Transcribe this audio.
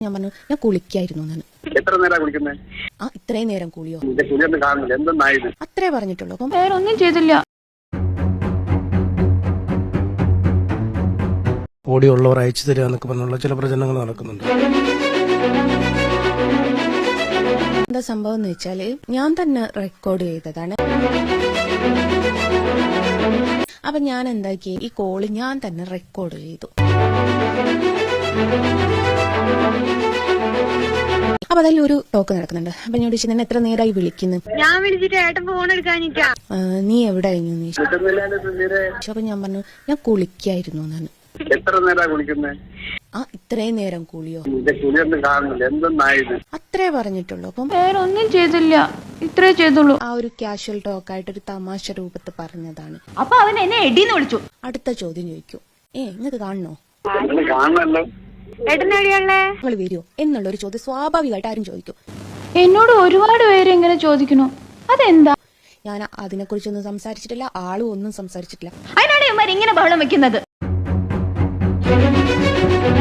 ഞാൻ പറഞ്ഞു ഞാൻ കുളിക്കായിരുന്നു എന്നാണ്. എത്ര നേരം കുളിക്കുന്നത്? ആ ഇത്രയും നേരം കുളിയോ? കുളിയൊന്നും കാണുന്നില്ല, എന്തെന്നായത്? അത്രേ പറഞ്ഞിട്ടുള്ളൂ. അപ്പം വേറെ ഒന്നും ചെയ്തില്ല. ഓഡിയോ ഉള്ളവർ അയച്ചു തരിക എന്നൊക്കെ പറഞ്ഞുള്ള ചില പ്രചരണങ്ങൾ നടക്കുന്നുണ്ട്. എന്താ സംഭവം എന്ന് വെച്ചാല് ഞാൻ തന്നെ റെക്കോർഡ് ചെയ്തതാണ്. അപ്പൊ ഞാൻ എന്താക്കി, ഈ കോള് ഞാൻ തന്നെ റെക്കോർഡ് ചെയ്തു. അപ്പൊ അതിൽ ഒരു ടോക്ക് നടക്കുന്നുണ്ട്. അപ്പൊ ഞാൻ ചോദിച്ചു നിന്നെ എത്ര നേരമായി വിളിക്കുന്നു? ഞാൻ വിളിച്ചിട്ട് ഏട്ടൻ ഫോൺ എടുക്കാനിട്ടാ. നീ എവിടെ കഴിഞ്ഞു? അപ്പൊ ഞാൻ പറഞ്ഞു ഞാൻ കുളിക്കായിരുന്നു എന്നാണ്. എത്ര നേരം കുളിക്കുന്നത്? ആ ഇത്രയും നേരം കുളിയോ? കുളിയൊന്നും കാണുന്നില്ല, എന്തെന്നായത്? അത്രേ പറഞ്ഞിട്ടുള്ളൂ. അപ്പം വേറെ ഒന്നും ചെയ്തില്ല, ഇത്രേ ചെയ്തുള്ളൂ. ആ ഒരു കാഷ്വൽ ടോക്കായിട്ട് ഒരു തമാശ രൂപത്തിൽ പറഞ്ഞതാണ്. അപ്പൊ അവൻ എന്നെ എടീന്ന് വിളിച്ചു. അടുത്ത ചോദ്യം ചോദിക്കും, നിങ്ങൾക്ക് കാണണോ? കാണണല്ലോ. ഏട്ടൻ എവിടെയാണല്ലേ? നിങ്ങൾ വരുമോ എന്നുള്ളൊരു ചോദ്യം സ്വാഭാവികമായിട്ട് ആരും ചോദിക്കും. എന്നോട് ഒരുപാട് പേര് ഇങ്ങനെ ചോദിക്കണു, അതെന്താ? ഞാൻ അതിനെക്കുറിച്ചൊന്നും സംസാരിച്ചിട്ടില്ല, ആളും ഒന്നും സംസാരിച്ചിട്ടില്ല. അതിനാണ് ഇവന്മാർ ഇങ്ങനെ ബഹളം വെക്കുന്നത്.